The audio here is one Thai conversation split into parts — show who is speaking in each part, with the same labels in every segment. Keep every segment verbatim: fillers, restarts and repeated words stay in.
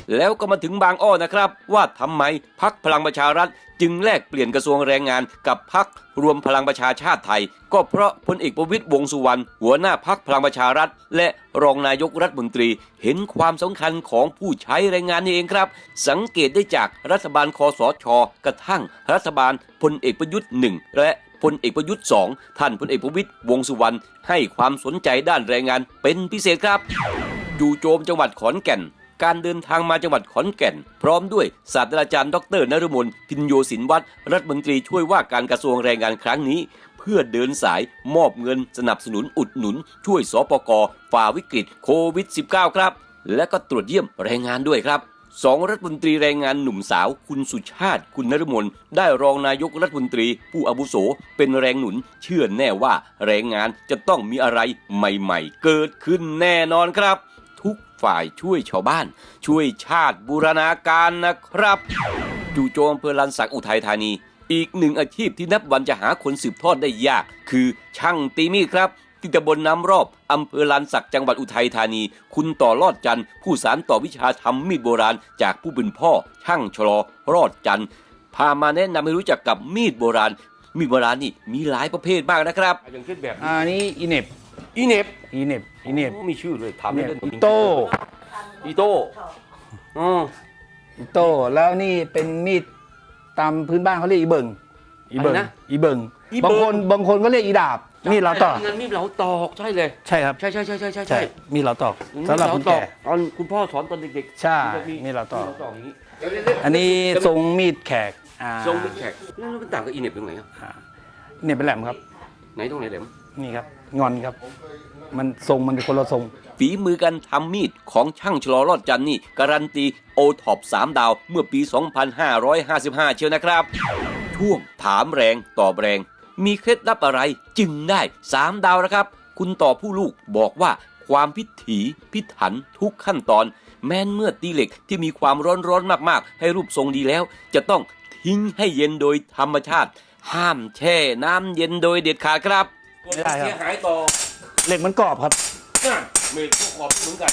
Speaker 1: แล้วก็มาถึงบางอ้อนะครับว่าทำไมพรรคพลังประชารัฐจึงแลกเปลี่ยนกระทรวงแรงงานกับพรรครวมพลังประชาชาติไทยก็เพราะพลเอกประวิตรวงษ์สุวรรณหัวหน้าพรรคพลังประชารัฐและรองนายกรัฐมนตรีเห็นความสำคัญของผู้ใช้แรงงานนี่เองครับสังเกตได้จากรัฐบาลคสช.กระทั่งรัฐบาลพลเอกประยุทธ์หนึ่งและพลเอกประยุทธ์สองท่านพลเอกประวิตรวงษ์สุวรรณให้ความสนใจด้านแรงงานเป็นพิเศษครับจู่โจมจังหวัดขอนแก่นการเดินทางมาจังหวัดขอนแก่นพร้อมด้วยศาสตราจารย์ดรนฤมลพินโยสินวัฒน์รัฐมนตรีช่วยว่าการกระทรวงแรงงานครั้งนี้เพื่อเดินสายมอบเงินสนับสนุนอุดหนุนช่วยสปก.ฝ่าวิกฤตโควิด สิบเก้า ครับและก็ตรวจเยี่ยมแรงงานด้วยครับสองรัฐมนตรีแรงงานหนุ่มสาวคุณสุชาติคุณนฤมลได้รองนายกรัฐมนตรีผู้อาวุโสเป็นแรงหนุนเชื่อแน่ว่าแรงงานจะต้องมีอะไรใหม่ๆเกิดขึ้นแน่นอนครับทุกฝ่ายช่วยชาวบ้านช่วยชาติบูรณาการนะครับจู่โจมอำเภอลานสักอุทัยธานีอีกหนึ่งอาชีพที่นับวันจะหาคนสืบทอดได้ยากคือช่างตีมีดครับที่ตำบลน้ำรอบอำเภอลานสักจังหวัดอุทัยธานีคุณต่อรอดจันทร์ผู้สานต่อวิชาทำมีดโบราณจากผู้เป็นพ่อช่างชลอรอดจันทร์พามาแนะนำให้รู้จักกับมีดโบราณมีดโบราณนี่มีหลายประเภทมากนะครับอย่างเช่นแบบ
Speaker 2: อันนี้อีเน็บ
Speaker 1: อีเน็บ
Speaker 2: อีเน็บอีเน็บ
Speaker 1: มีชื่อเลยทำได้เลย
Speaker 2: อีโต้
Speaker 1: อีโต้อ๋อ
Speaker 2: อีโต้แล้วนี่เป็นมีดตามพื้นบ้านเขาเรียกอีเบิงอีเบิงอีเบิงบางคนบางคนก็เรียกอีดาบมีดเราตอก
Speaker 1: งั้นมีดเราตอกใช่เลย
Speaker 2: ใช่ครับ
Speaker 1: ใช่ใช่ใช่ใช่ใช่
Speaker 2: ใช่มีดเราตอกสำหรับคุณแก่
Speaker 1: ตอนคุณพ่อสอนตอนเด็กๆ
Speaker 2: ใช่มีดเราตอก
Speaker 1: อย่างนี้
Speaker 2: อันนี้ทรงมีดแขกอ่า
Speaker 1: ทรงมีดแขกแล้วมันต่างกับอีเน็บตรงไหนอ่ะ
Speaker 2: อ่าเนี่ยเป็นแหลมครับ
Speaker 1: ไหนตรงไหนแหลม
Speaker 2: นี่ครับงอนครับมันทรงมันเป็นคนละทรง
Speaker 1: ฝีมือการทำมีดของช่างชลอรอดจันทร์นี่การันตีโอท็อปสามดาวเมื่อปี สองพันห้าร้อยห้าสิบห้า เชียวนะครับช่วงถามแรงตอบแรงมีเคล็ดลับอะไรจึงได้สามดาวนะครับคุณต่อผู้ลูกบอกว่าความพิถีพิถันทุกขั้นตอนแม้นเมื่อตีเหล็กที่มีความร้อนร้อนมากๆให้รูปทรงดีแล้วจะต้องทิ้งให้เย็นโดยธรรมชาติห้ามแช่น้ำเย็นโดยเด็ดขาดครับ
Speaker 2: ไม่ได้ครับ
Speaker 1: เสียหายต่อ
Speaker 2: เหล็กมันกรอบครับ
Speaker 1: เมฆพวกขอบเหมือนกัน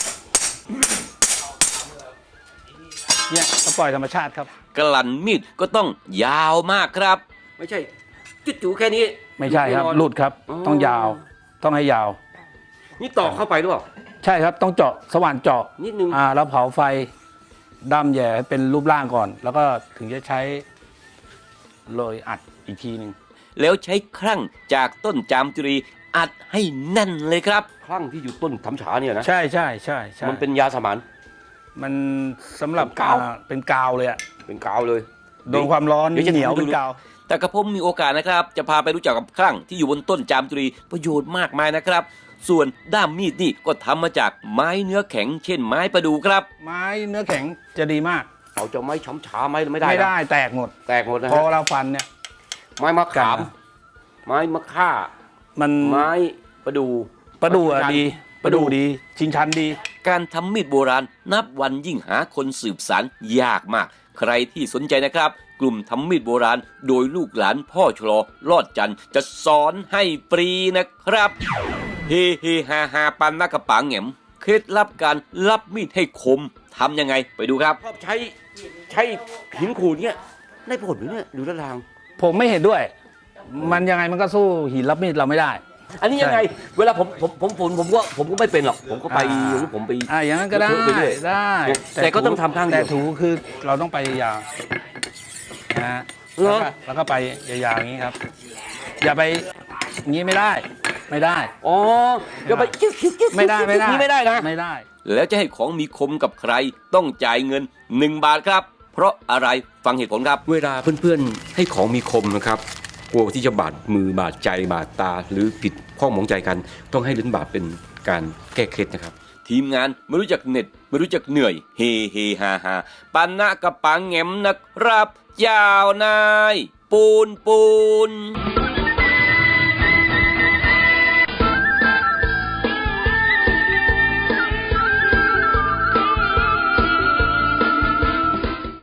Speaker 2: เนี่ยก็ปล่อยธรรมชาติครับ
Speaker 1: กลั่นมีดก็ต้องยาวมากครับไม่ใช่จุดจูแค่นี้
Speaker 2: ไม่ใช่ครับหลุดครับต้องยาวต้องให้ยาว
Speaker 1: นี่ตอกเข้าไปหรือเปล่า
Speaker 2: ใช่ครับต้องเจาะสว่านเจาะ
Speaker 1: นิดนึง
Speaker 2: อ่าแล้วเผาไฟดำแย่ให้เป็นรูปร่างก่อน แล้วก็ถึงจะใช้โรยอัดอีกทีหนึ่ง
Speaker 1: แล้วใช้ครั่งจากต้นจามจุรีอัดให้แน่นเลยครับครั่งที่อยู่ต้นทำฉาเนี่ยนะ
Speaker 2: ใช่ใช่ใช่ใช่
Speaker 1: มันเป็นยาสมาน
Speaker 2: มันสำหรับ
Speaker 1: เป็นกาว
Speaker 2: อ่เป็นกาวเลยอะ
Speaker 1: เป็นกาวเลย
Speaker 2: โดนความร้อน
Speaker 1: เดี๋ยวจะ
Speaker 2: เหนียว
Speaker 1: ทำให้ดู
Speaker 2: เป็นกาว
Speaker 1: แต่กระผมมีโอกาสนะครับจะพาไปรู้จักกับครั่งที่อยู่บนต้นจามจุรีประโยชน์มากมายนะครับส่วนด้ามมีดนี่ก็ทำมาจากไม้เนื้อแข็งเช่นไม้ประดู่ครับ
Speaker 2: ไม้เนื้อแข็งจะดีมาก
Speaker 1: เอาจะไม้ช้ำฉาไม้ไม่ได้
Speaker 2: ไม่
Speaker 1: นะ
Speaker 2: ได้แตกหมด
Speaker 1: แตกหมดนะ
Speaker 2: พอ
Speaker 1: ฮะ
Speaker 2: เราฟันเนี่ย
Speaker 1: ไม้มะขาม
Speaker 2: กันนะ
Speaker 1: ไม้มะค่า
Speaker 2: มัน
Speaker 1: ไม้ประดู่
Speaker 2: ประดูอะดีประดูดีชิงชันดี
Speaker 1: การทำมีดโบราณนับวันยิ่งหาคนสืบสานยากมากใครที่สนใจนะครับกลุ่มทำมีดโบราณโดยลูกหลานพ่อชลอรอดจันทร์จะสอนให้ฟรีนะครับเฮเฮฮาฮาปันนักกระปังแหมเคล็ดลับการรับมีดให้คมทำยังไงไปดูครับชอบใช้ใช้หินขูดเนี่ยได้ผลไหมเนี่ยดูท่าทาง
Speaker 2: ผมไม่เห็นด้วย มันยังไงมันก็สู้หินรับมีดเราไม่ได้
Speaker 1: อันนี้ยังไงเวลาผมผมผมผมผมก็ผมก็ไม่เป็นหรอกผมก็ไป
Speaker 2: อ่า
Speaker 1: หรือผมไป
Speaker 2: อ่าอย่างนั้นก็ได้
Speaker 1: ไปเรื่อย
Speaker 2: ได้
Speaker 1: แต่ก็ต้องทำข้างเดียว
Speaker 2: แต่ถูคือเราต้องไปยาวๆนะฮะ
Speaker 1: เหรอ
Speaker 2: แล้วก็แล้วก็ไปยาวๆอย่างนี้ครับ อย่าไปอย่างนี้ไม่ได้ ไม่ได้
Speaker 1: อ๋อเดี๋ยวไป
Speaker 2: ไม่ได้ไม่ได้
Speaker 1: นี่ไม่ได้นะ
Speaker 2: ไม่ได้
Speaker 1: แล้วจะให้ของมีคมกับใครต้องจ่ายเงินหนึ่งบาทครับเพราะอะไรฟังเหตุผลครับเวลาเพื่อนๆให้ของมีคมนะครับกลัวที่จะบาดมือบาดใจบาดตาหรือผิดข้องหมองใจกันต้องให้ลิ้นบาดเป็นการแก้เคล็ดนะครับทีมงานไม่รู้จักเหน็ดไม่รู้จักเหนื่อยเฮเฮฮาฮาปันนะกระปังแหมนะครับยาวนายปูนปูน